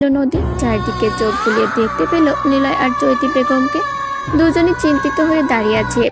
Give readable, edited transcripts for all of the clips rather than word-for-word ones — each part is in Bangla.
নদী চারদিকে চোখ বুলিয়ে দেখতে পেল নিলয় আর চৈতি বেগমকে। দুজনই চিন্তিত হয়ে দাঁড়িয়ে আছে।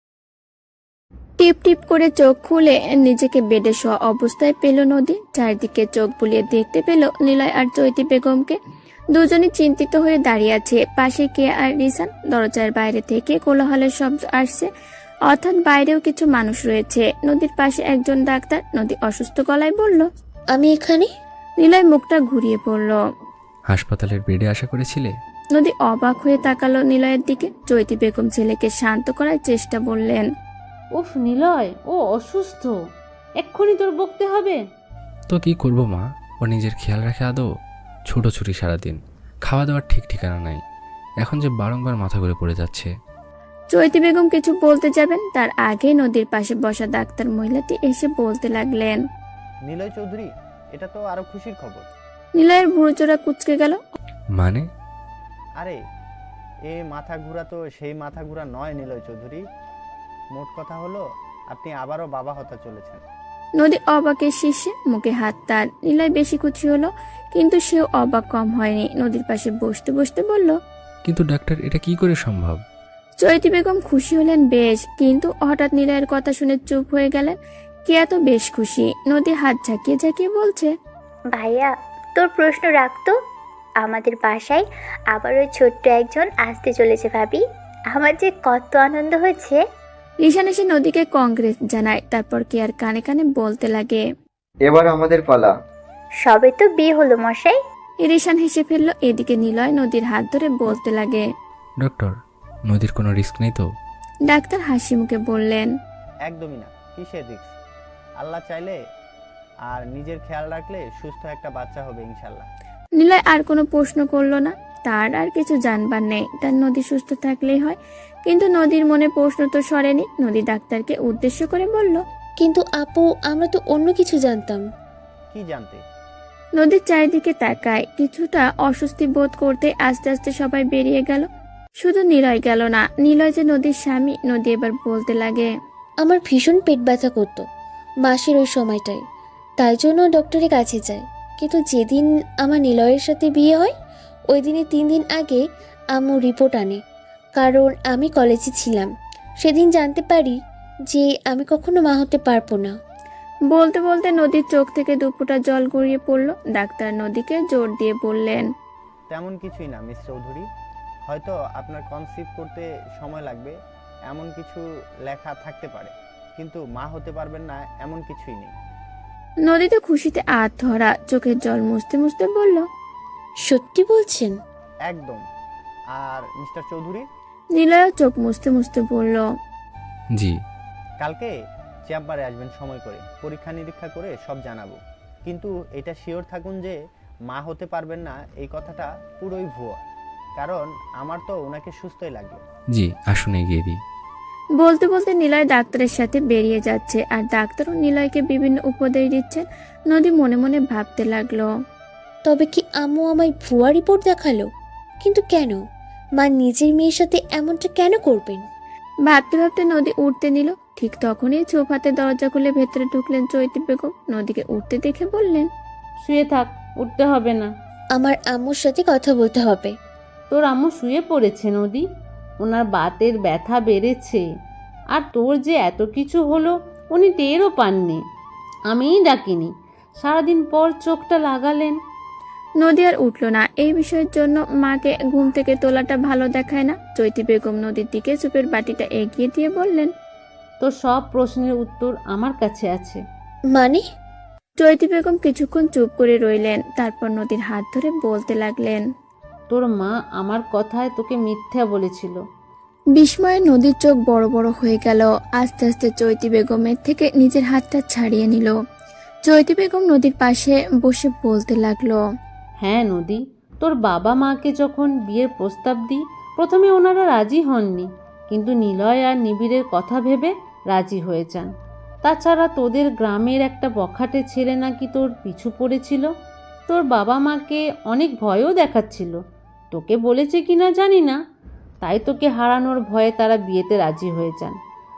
টিপ টিপ করে চোখ খুলে নিজেকে বেডে শোয়া অবস্থায় পেল নদী। চারদিকে চোখ বুলিয়ে দেখতে পেল নিলয় আর চৈতি বেগমকে। দুজনই চিন্তিত হয়ে দাঁড়িয়ে আছে। পাশে কেয়া আর রিসান। দরজার বাইরে থেকে কোলাহলের শব্দ আসছে, অর্থাৎ বাইরেও কিছু মানুষ রয়েছে। নদীর পাশে একজন ডাক্তার। নদী অসুস্থ গলায় বলল, আমি এখানে। নিলয় মুখটা ঘুরিয়ে পড়ল। হাসপাতালের বেডে আশা করেছিলে? নদী অবাক হয়ে তাকালো নিলয়ের দিকে। চৈতি বেগম ছেলেকে শান্ত করার চেষ্টা বললেন, উফ নিলয়, ও অসুস্থ, এক্ষুনি তোর বকতে হবে। তো কি করব মা, ও নিজের খেয়াল রাখে আদৌ? ছুটোছুটি সারাদিন, খাওয়া দাওয়ার ঠিক ঠিকানা নাই। এখন যে বারংবার মাথা ঘুরে পড়ে যাচ্ছে। চৈতি বেগম কিছু বলতে যাবেন, তার আগে নদীর পাশে বসা ডাক্তার মহিলাটি এসে বলতে লাগলেন, নিলয় চৌধুরী, এটা তো আরো খুশির খবর। নিলয়ের ভুরুচোরা কুঁচকে গেল। মানে? আরে এ মাথা ঘুরা তো সেই মাথা ঘুরা নয় নিলয় চৌধুরী। মোট কথা হলো আপনি আবারও বাবা হতে চলেছেন। নদী অবাকের শীর্ষে, মুখে হাত তার। নিলয় বেশি খুশি হলো, কিন্তু সেও অবাক কম হয়নি। নদীর পাশে বসতে বসতে বলল, কিন্তু ডাক্তার, এটা কি করে সম্ভব? চৈতি বেগম খুশি হলেন বেশ, কিন্তু হঠাৎ নিলয়ের কথা শুনে চুপ হয়ে গেলেন। কেয়া তো বেশ খুশি। নদী হাত ঝাঁকিয়ে ঝাঁকিয়ে বলছে, ভাইয়া, তোর প্রশ্ন রাখতো। আমাদের বাসায় আবার ওই ছোট্ট একজন আসতে চলেছে ভাবি। আমার যে কত আনন্দ হয়েছে। রিশান এসে নদীকে কংগ্রেস জানায়। তারপর কেয়ার কানে কানে বলতে লাগে, এবার আমাদের পালা। সবে তো বিয়ে হলো মশাই। রিশান হেসে ফেললো। এদিকে নিলয় নদীর হাত ধরে বলতে লাগে, ডক্টর, নদীর কোনো রিস্ক নেই তো? ডাক্তার হাসি মুখে বললেন, একদমই না, কিসের রিস্ক? আল্লাহ চাইলে আর নিজের খেয়াল রাখলে সুস্থ একটা বাচ্চা হবে ইনশাল্লাহ। নিলয় আর কোনো প্রশ্ন করলো না। তার আর কিছু জানবার নেই, তার নদী সুস্থ থাকলেই হয়। কিন্তু নদীর মনে প্রশ্ন তো সরেনি। নদী ডাক্তারকে উদ্দেশ্য করে বলল, কিন্তু আপু, আমরা তো অন্য কিছু জানতাম। কি জানতে? নদীর চারিদিকে তাকায়। কিছুটা অস্বস্তি বোধ করতে আস্তে আস্তে সবাই বেরিয়ে গেল। শুধু নিলয় গেল না। নিলয় যে নদীর স্বামী। নদী এবার বলতে লাগে, আমার ভীষণ পেট ব্যথা করতো মাসের ওই সময়টায়, তাই জন্য ডক্টরের কাছে যাই। কিন্তু যেদিন আমার নিলয়ের সাথে বিয়ে হয়, ওই দিনে 3 দিন আগে আম্মু রিপোর্ট আনে, কারণ আমি কলেজে ছিলাম। সেদিন জানতে পারি যে আমি কখনো মা হতে পারবো না। বলতে বলতে নদীর চোখ থেকে দুফোঁটা জল গড়িয়ে পড়ল। ডাক্তার নদীকে জোর দিয়ে বললেন, তেমন কিছুই না মিস চৌধুরী, হয়তো আপনার কনসিভ করতে সময় লাগবে এমন কিছু লেখা থাকতে পারে, কিন্তু মা হতে পারবেন না এমন কিছুই নেই। নদী তো খুশিতে আত্মহারা। চোখের জল মুছতে মুছতে বলল, সত্যি বলছেন? একদম। আর মিস্টার চৌধুরী, নিলয় চোখ মুছতে মুছতে বলল, জি। কালকে চেম্বারে আসবেন সময় করে, পরীক্ষা নিরীক্ষা করে সব জানাবো। কিন্তু এটা শিওর থাকুন যে মা হতে পারবেন না এই কথাটা পুরোই ভুয়া, কারণ আমার তো ওনাকে সুস্থই লাগলো। জি, আসুন এগিয়ে দিই। বলতে বলতে নিলয় ডাক্তারের সাথে বেরিয়ে যাচ্ছে, আর ডাক্তারও নিলয়কে বিভিন্ন উপদেশ দিচ্ছেন। নদী মনে মনে ভাবতে লাগলো, তবে কি আম্মু আমায় ভুয়া রিপোর্ট দেখালো? কিন্তু কেন? মা নিজের মেয়ের সাথে এমনটা কেন করবেন? ভাবতে ভাবতে নদী উঠতে নিল। ঠিক তখনই চোপ হাতে দরজা খুলে ভেতরে ঢুকলেন চৈতি বেগম। নদীকে উঠতে দেখে বললেন, শুয়ে থাক, উঠতে হবে না। আমার আম্মুর সাথে কথা বলতে হবে। তোর আম্মু শুয়ে পড়েছে নদী, ওনার বাতের ব্যথা বেড়েছে। আর তোর যে এত কিছু হলো উনি টেরও পাননি, আমিই ডাকিনি। সারাদিন পর চোখটা লাগালেন। নদী আর উঠল না। এই বিষয়ের জন্য মাকে ঘুম থেকে তোলাটা ভালো দেখায় না। চৈতি বেগম নদীর দিকে চুপের বাটিটা এগিয়ে দিয়ে বললেন, তোর সব প্রশ্নের উত্তর আমার কাছে আছে। মানে? চৈতি বেগম কিছুক্ষণ চুপ করে রইলেন। তারপর নদীর হাত ধরে বলতে লাগলেন, তোর মা আমার কথায় তোকে মিথ্যা বলেছিল। বিস্ময়ে নদীর চোখ বড় বড় হয়ে গেল। আস্তে আস্তে চৈতি বেগমের থেকে নিজের হাতটা ছাড়িয়ে নিল। চৈতি বেগম নদীর পাশে বসে বলতে লাগলো, হ্যাঁ নদী, তোর বাবা মাকে যখন বিয়ের প্রস্তাব দিই, প্রথমে ওনারা রাজি হননি, কিন্তু নিলয় আর নিবিড়ের কথা ভেবে রাজি হয়ে যান। তাছাড়া তোদের গ্রামের একটা বখাটে ছেলে নাকি তোর পিছু পড়েছিল। তোর বাবা মাকে অনেক ভয়ও দেখাচ্ছিল, তোকে বলেছে কিনা জানি না। তাই তোকে হারানোর ভয়ে তারা বিয়েতে রাজি হয়ে যান।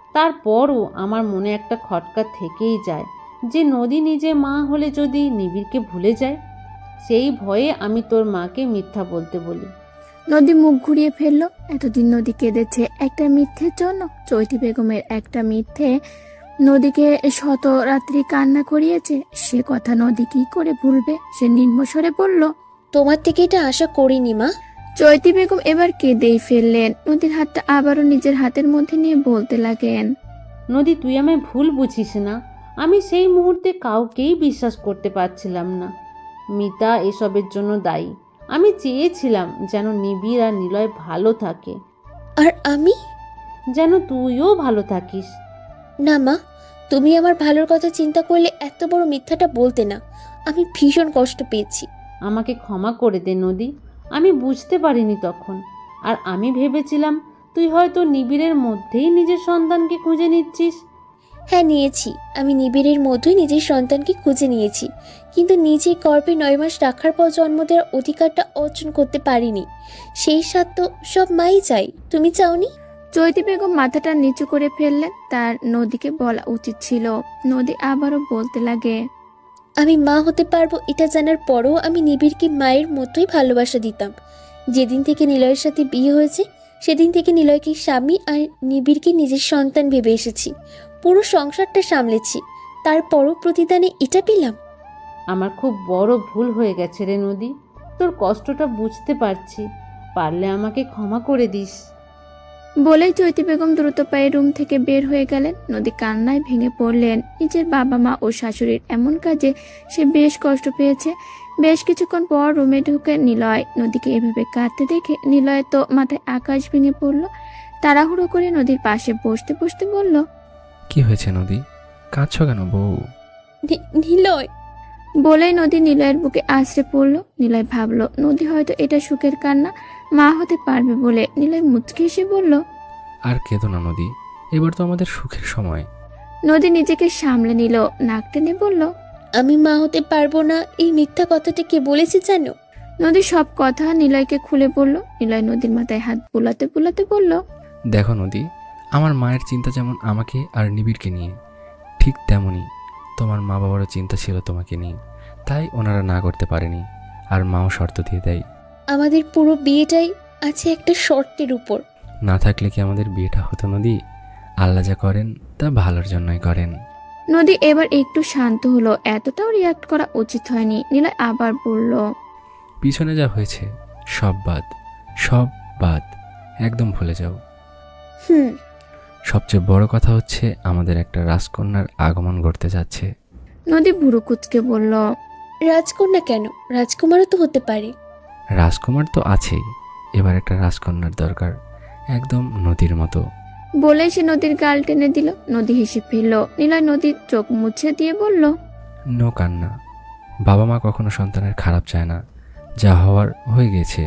তারপরও আমার মনে একটা খটকা থেকেই যায় যে নদী নিজে মা হলে যদি নিবিড়কে ভুলে যায়, সেই ভয়ে আমি তোর মাকে মিথ্যা বলতে বলি। নদী মুখ ঘুরিয়ে ফেললো। এতদিন নদী কেঁদেছে একটা মিথ্যের জন্য। চৈতি বেগমের একটা মিথ্যে নদীকে শত রাত্রি কান্না করিয়েছে। সে কথা নদী কি করে ভুলবে? সে নিম্নস্বরে বলল, তোমার থেকে এটা আশা করিনি মা। চৈতি বেগম এবার কেঁদেই ফেললেন। নদীর হাতটা আবারও নিজের হাতের মধ্যে নিয়ে বলতে লাগেন, নদী, তুই আমায় ভুল বুঝিস না। আমি সেই মুহূর্তে কাউকেই বিশ্বাস করতে পারছিলাম না। মিতা এসবের জন্য দায়ী। আমি চেয়েছিলাম যেন নিবিড় আর নিলয় ভালো থাকে, আর আমি? যেন তুইও ভালো থাকিস। না মা, তুমি আমার ভালোর কথা চিন্তা করলে এত বড় মিথ্যাটা বলতে না। আমি ভীষণ কষ্ট পেয়েছি। আমাকে ক্ষমা করে দে নদী, আমি বুঝতে পারিনি তখন। আর আমি ভেবেছিলাম তুই হয়তো নিবিড়ের মধ্যেই নিজের সন্তানকে খুঁজে নিচ্ছিস। হ্যাঁ, নিয়েছি। আমি নিবিড়ের মধ্যেই নিজের সন্তানকে খুঁজে নিয়েছি, কিন্তু নিজে গর্ভে 9 মাস রাখার পর জন্ম দেওয়ার অধিকারটা অর্জন করতে পারিনি। সেই স্বাদ তো সব মাই চাই, তুমি চাওনি? চৈতি বেগম মাথাটা নিচু করে ফেললেন। তার নদীকে বলা উচিত ছিল। নদী আবারও বলতে লাগে, আমি মা হতে পারবো এটা জানার পরও আমি নিবিড়কে মায়ের মতোই ভালোবাসা দিতাম। যেদিন থেকে নিলয়ের সাথে বিয়ে হয়েছে সেদিন থেকে নিলয়কে স্বামী আর নিবিড়কে নিজের সন্তান ভেবে এসেছি। পুরো সংসারটা সামলেছি, তারপরও প্রতিদানে এটা পেলাম। আমার খুব বড় ভুল হয়ে গেছে রে নদী, তোর কষ্টটা বুঝতে পারছি। পারলে আমাকে ক্ষমা করে দিস। বলেই চৈতি বেগম দ্রুত পায়ে রুম থেকে বের হয়ে গেলেন। নদী কান্নায় ভেঙে পড়লেন। নিজের বাবা মা ও শাশুড়ির এমন কাজে সে বেশ কষ্ট পেয়েছে। বেশ কিছুক্ষণ পর রুমে ঢুকে নিলয় নদীকে এভাবে কাঁদতে দেখে নিলয় তো মাথায় আকাশ ভেঙে পড়ল। তাড়াহুড়ো করে নদীর পাশে বসতে বসতে বলল, কি হয়েছে নদী? কাঁদছো কেন বউ? নিলয়। বলেই নদী নিলয়ের বুকে আশ্রে পড়ল। নিলয় ভাবল নদী হয়তো এটা সুখের কান্না, মা হতে পারবে বলে। নিলয় মুচকি এসে বলল, আর কেঁদো না নদী, এবার তো আমাদের সুখের সময়। নদী নিজেকে সামলে নিল, নাক টেনে বলল, আমি মা হতে পারবো না এই মিথ্যা কথাটা কে বলেছে জানো? নদী সব কথা নিলয়কে খুলে বলল। নিলয় নদীর মাথায় হাত বুলাতে বুলাতে বলল, দেখো নদী, আমার মায়ের চিন্তা যেমন আমাকে আর নিবিড়কে নিয়ে, ঠিক তেমনই তোমার মা বাবারও চিন্তা ছিল তোমাকে নিয়ে। তাই ওনারা না করতে পারেনি, আর মাও শর্ত দিয়ে দেয়। আমাদের পুরো বিয়েটাই আছে একটা শর্তের উপর। না থাকলে কি আমাদের বিয়েটা হতো নদী? আল্লাহ যা করেন তা ভালোর জন্যই করেন। নদী এবার একটু শান্ত হলো। এতটাও রিয়াক্ট করা উচিত হয়নি। নিলয় আবার বলল, পিছনে যা হয়েছে সব বাদ, সব বাদ, একদম ভুলে যাও। হুম। সবচেয়ে বড় কথা হচ্ছে আমাদের একটা রাজকন্যার আগমন ঘটতে যাচ্ছে। নদী ভুরু কুচকে বলল, রাজকন্যা কেন? রাজকুমারও তো হতে পারে। রাজকুমার তো আছেই, এবার একটা রাজকন্যার দরকার, একদম নদীর মতো। বলেই সে নদীর গাল টেনে দিল। নদী হেসে ফেলল। নিলয় নদীর চোখ মুছে দিয়ে বলল, নো কান্না। বাবা মা কখনো সন্তানের খারাপ চায় না, যা হওয়ার হয়ে গেছে।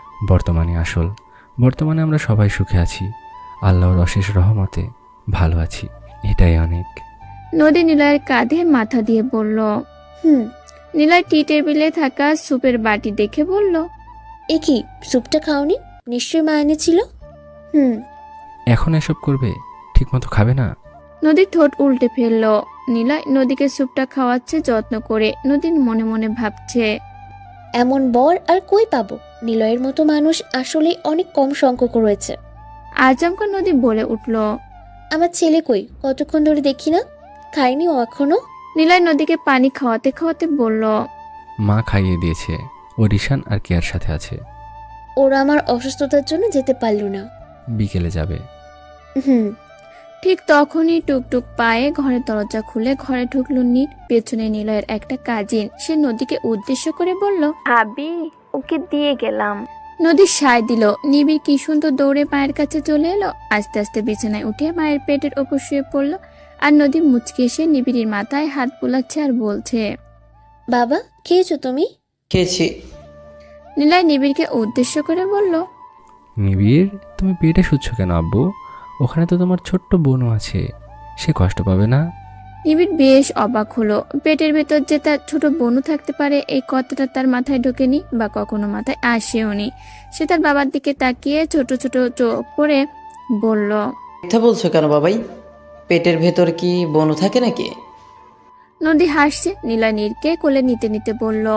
বর্তমানে আমরা সবাই সুখে আছি, আল্লাহর অশেষ রহমতে ভালো আছি, এটাই অনেক। নদী নিলয়ের কাঁধে মাথা দিয়ে বলল। হুম। নিলয় টি টেবিলে থাকা সুপের বাটি দেখে বলল, এ কি, স্যুপটা খাওনি? নিশ্চয়ই মা এনেছিল। হুম। এখন এসব করবে? ঠিকমতো খাবে না? নদীর ঠোঁট উল্টে ফেলল। নিলয় নদীকে স্যুপটা খাওয়াচ্ছে যত্ন করে। নদীর মনে মনে ভাবছে, এমন বর আর কই পাবো? নিলয়ের মতো মানুষ আসলে অনেক কম সংখ্যক রয়েছে। আচমকা নদী বলে উঠল। আমার ছেলে কই? কতক্ষণ ধরে দেখি না, খায়নি ও এখনো। নিলয় নদীকে পানি খাওয়াতে খাওয়াতে বলল, মা খাইয়ে দিয়েছে, ও রিশান আর কেয়ার সাথে আছে। ওরা আমার অসুস্থতার জন্য যেতে পারলো না। বিকেলে যাবে। হুম। ঠিক তখনই টুকটুক পায়ে ঘরের দরজা খুলে ঘরে ঢুকলো নীর। পেছনে নিলয়ের একটা কাজিন। সে নদীকে উদ্দেশ্য করে বলল, ভাবি, ওকে দিয়ে গেলাম। নদী সায় দিল। নিবিড় কি সুন্দর দৌড়ে মায়ের কাছে চলে এলো। আস্তে আস্তে বিছানায় উঠে মায়ের পেটের ওপর শুয়ে পড়লো। আর নদী মুচকি এসে নিবিড়ির মাথায় হাত বুলাচ্ছে আর বলছে, বাবা, খেয়েছো তুমি? খেয়েছি। নিলয় নিবিড়কে উদ্দেশ্য করে বলল, নিবিড়, তুমি পেটে শুচ্ছ কেন আব্বু? ওখানে তো তোমার ছোট্ট বোনও আছে, সে কষ্ট পাবে না? নিবিড় বেশ অবাক হলো। পেটের ভেতর যে তার ছোট বোনও থাকতে পারে এই কথাটা তার মাথায় ঢোকেনি বা কখনো মাথায় আসেওনি। সে তার বাবার দিকে তাকিয়ে ছোট ছোট চোখ করে বলল, মিথ্যা বলছো কেন বাবাই? পেটের ভেতর কি বনু থাকে নাকি? নদী হাসছে। নিলয় নীরকে কোলে নিতে নিতে বলল,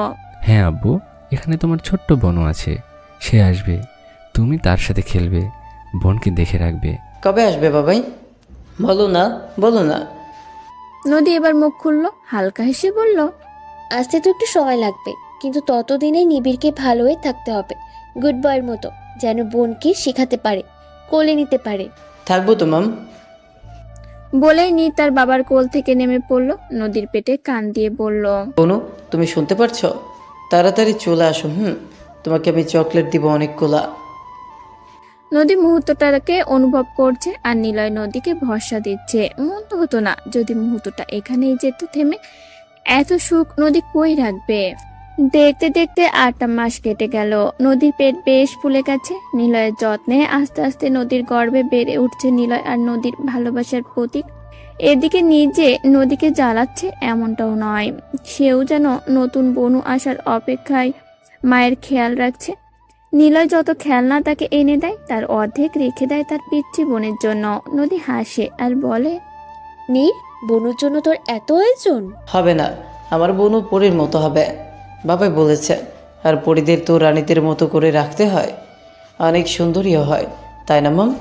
হ্যাঁ আব্বু, এখানে তোমার ছোট্ট বোনও আছে, সে আসবে, তুমি তার সাথে খেলবে, বোনকে দেখে রাখবে। কবে আসবে বাবাই? বলো না, বলো না। নদী এবার মুখ খুললো, হালকা হেসে বলল, আসতে তো একটু সময় লাগবে, কিন্তু ততদিনে নিবিড়কে ভালো হয়ে থাকতে হবে, গুড বয়ের মতো, যেন বোনকে শেখাতে পারে, কোলে নিতে পারে। থাকবো তো মাম। বলেই নি তার বাবার কোল থেকে নেমে পড়ল, নদীর পেটে কান দিয়ে বলল, বনু, তুমি শুনতে পারছো? তাড়াতাড়ি চলে আসো। তোমাকে আমি চকলেট দিব অনেকগুলা। নদী মুহূর্তটাকে অনুভব করছে আর নিলয় নদীকে ভরসা দিচ্ছে। মন তো হতো না যদি মুহূর্তটা এখানেই যেত থেমে। এত সুখ নদী কই রাখবে? দেখতে দেখতে 8টা মাস কেটে গেল। নদীর পেট বেশ ফুলে গেছে। নিলয়ের যত্নে আস্তে আস্তে নদীর গর্ভে বেড়ে উঠছে নিলয় আর নদীর ভালোবাসার প্রতীক। এদিকে নিজে নদীকে জ্বালাচ্ছে এমনটাও নয়, সেও যেন নতুন বনু আসার অপেক্ষায় মায়ের খেয়াল রাখছে। নিলয় যত খেলনা তাকে এনে দেয় তার অর্ধেক রেখে দেয় তার পিচ্চি বোনের জন্য। নদী হাসে আর বলে, নীর, বনুর জন্য তোর এত আয়োজন? হবে না, আমার বোনও পরীর মতো হবে, বাবাই বলেছে। আর পরীদের তো রানীদের মতো করে রাখতে হয়, অনেক সুন্দরীও হয়, তাই না মাম?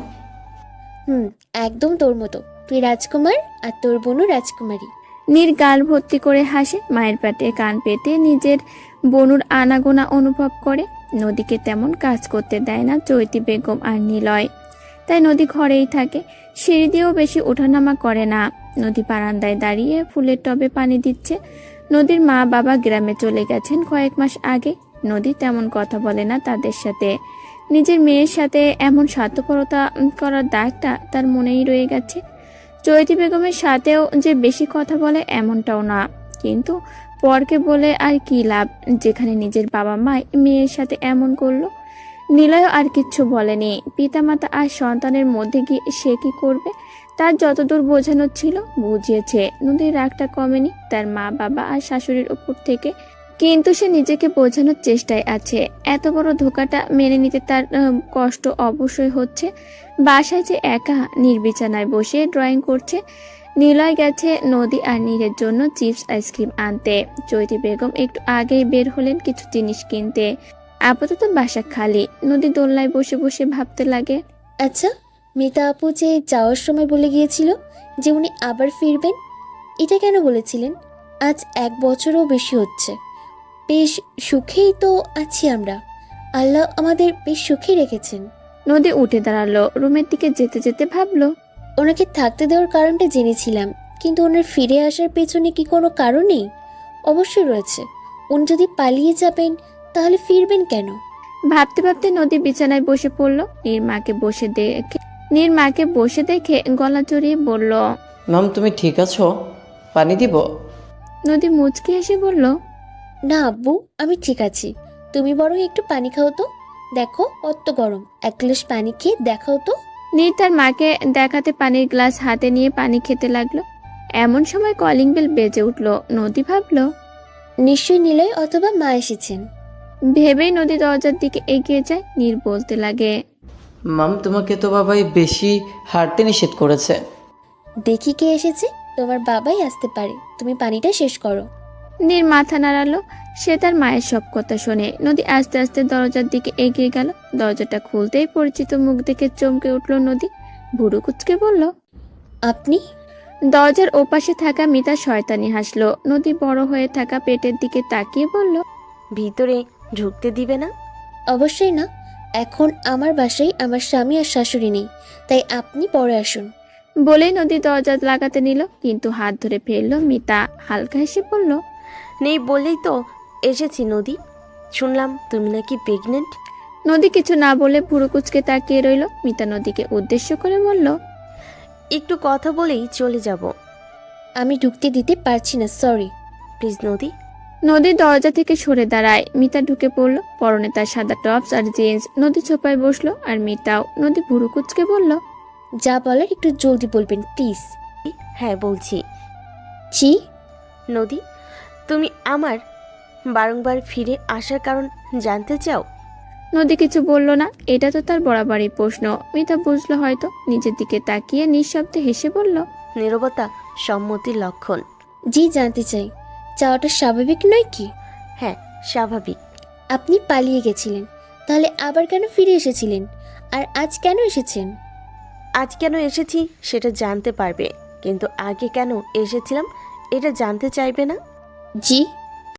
একদম তোর মতো, তুই রাজকুমার আর তোর বোনও রাজকুমারী। নীর গাল ভর্তি করে হাসে, মায়ের পেটে কান পেতে নিজের বনুর আনাগোনা অনুভব করে। নদীকে তেমন কাজ করতে দেয় না চৈতি বেগম আর নিলয়, তাই নদী ঘরেই থাকে, সিঁড়ি দিয়েও বেশি ওঠানামা করে না। নদী বারান্দায় দাঁড়িয়ে ফুলের টবে পানি দিচ্ছে। নদীর মা বাবা গ্রামে চলে গেছেন কয়েক মাস আগে। নদী তেমন কথা বলে না তাদের সাথে। নিজের মেয়ের সাথে এমন স্বার্থপরতা করার দাগটা তার মনেই রয়ে গেছে। চৈতি বেগমের সাথেও যে বেশি কথা বলে এমনটাও না, কিন্তু পরকে বলে আর কি লাভ, যেখানে নিজের বাবা মা মেয়ের সাথে এমন করলো। নিলয় আর কিচ্ছু বলেনি। পিতামাতা আর সন্তানের মধ্যে গিয়ে সে কি করবে? তার যতদূর বোঝানোর ছিল বুঝিয়েছে। নদীর রাগটা কমেনি তার মা বাবা আর শাশুড়ির উপর থেকে, কিন্তু সে নিজেকে বোঝানোর চেষ্টায় আছে। এত বড় ধোকাটা মেনে নিতে তার কষ্ট অবশ্যই হচ্ছে। বাসায় যে একা নির্বিছানায় বসে ড্রয়িং করছে। নিলয় গেছে নদী আর নীরের জন্য চিপস আইসক্রিম আনতে। চৈতি বেগম একটু আগেই বের হলেন কিছু জিনিস কিনতে। আপাতত বাসা খালি। নদী দোলনায় বসে বসে ভাবতে লাগে, আচ্ছা, মিতা আপু যে যাওয়ার সময় বলে গিয়েছিল যে উনি আবার ফিরবেন, এটা কেন বলেছিলেন? আজ 1 বছরও বেশি হচ্ছে। বেশ সুখেই তো আছি আমরা, আল্লাহ আমাদের বেশ সুখে রেখেছেন। নদী উঠে দাঁড়ালো, রুমের দিকে যেতে যেতে ভাবলো, ওনাকে থাকতে দেওয়ার কারণটা জেনেছিলাম, কিন্তু ওনার ফিরে আসার পেছনে কি কোনো কারণ নেই? অবশ্যই রয়েছে। উনি যদি পালিয়ে যাবেন তাহলে ফিরবেন কেন? ভাবতে ভাবতে নদী বিছানায় বসে পড়লো। নীর মাকে বসে দেখে গলা জড়িয়ে বলল, মাম, তুমি ঠিক আছো? পানি দিব? নদী মুচকি হেসে বলল, না আব্বু, আমি ঠিক আছি। তুমি বরং একটু পানি খাও তো, দেখো কত গরম, 1 গ্লাস পানি খেয়ে দেখাও তো। নীর তার মাকে দেখাতে পানির গ্লাস হাতে নিয়ে পানি খেতে লাগলো। এমন সময় কলিং বেল বেজে উঠলো। নদী ভাবলো, নিশ্চয়ই নিলয় অথবা মা এসেছেন। ভেবেই নদী দরজার দিকে এগিয়ে যায়। নীর বলতে লাগে, মাম, তোমাকে তো বাবাই বেশি হাঁটতে নিষেধ করেছে। দেখি কে এসেছে, তোমার বাবাই আসতে পারে, তুমি পানিটা শেষ করো। নীর মাথা নাড়ালো। সে তার মায়ের সব কথা শোনে। নদী আস্তে আস্তে দরজার দিকে এগিয়ে গেল। দরজাটা খুলতেই পরিচিত মুখ দেখে চমকে উঠল নদী। ভুরু কুচকে বলল, আপনি? দরজার ওপাশে থাকা মিতা শয়তানি হাসলো। নদী বড় হয়ে থাকা পেটের দিকে তাকিয়ে বলল, ভিতরে ঢুকতে দিবে না? অবশ্যই না, এখন আমার বাসায় আমার স্বামী আর শাশুড়ি নেই, তাই আপনি পরে আসুন। বলেই নদী দরজা লাগাতে নিল, কিন্তু হাত ধরে ফেললো মিতা। হালকা হেসে বলল, নেই বলেই তো এসেছি নদী। শুনলাম তুমি নাকি প্রেগনেন্ট। নদী কিছু না বলে ভুরু কুচকে তাকিয়ে রইল। মিতা নদীকে উদ্দেশ্য করে বলল, একটু কথা বলেই চলে যাব। আমি ঢুকতে দিতে পারছি না, সরি। প্লিজ নদী। নদী দরজা থেকে সরে দাঁড়ায়। মিতা ঢুকে পড়লো, পরনে তার সাদা টপস আর জিন্স। নদী ছোপায় বসলো আর মিতাও। নদী ভুরু কুচকে বলল, যা বলার একটু জলদি বলবেন প্লিজ। হ্যাঁ বলছি। জি? নদী, তুমি আমার বারংবার ফিরে আসার কারণ জানতে চাও? নদী কিছু বলল না। এটা তো তার বরাবরই প্রশ্ন। মিতা বুঝলো হয়তো। নিজের দিকে তাকিয়ে নিঃশব্দে হেসে বলল, নীরবতা সম্মতির লক্ষণ। জি, জানতে চাই। চাওয়াটা স্বাভাবিক নয় কি? হ্যাঁ, স্বাভাবিক। আপনি পালিয়ে গেছিলেন, তাহলে আবার কেন ফিরে এসেছিলেন? আর আজ কেন এসেছেন? আজ কেন এসেছি সেটা জানতে পারবে, কিন্তু আগে কেন এসেছিলাম এটা জানতে চাইবে না? জি,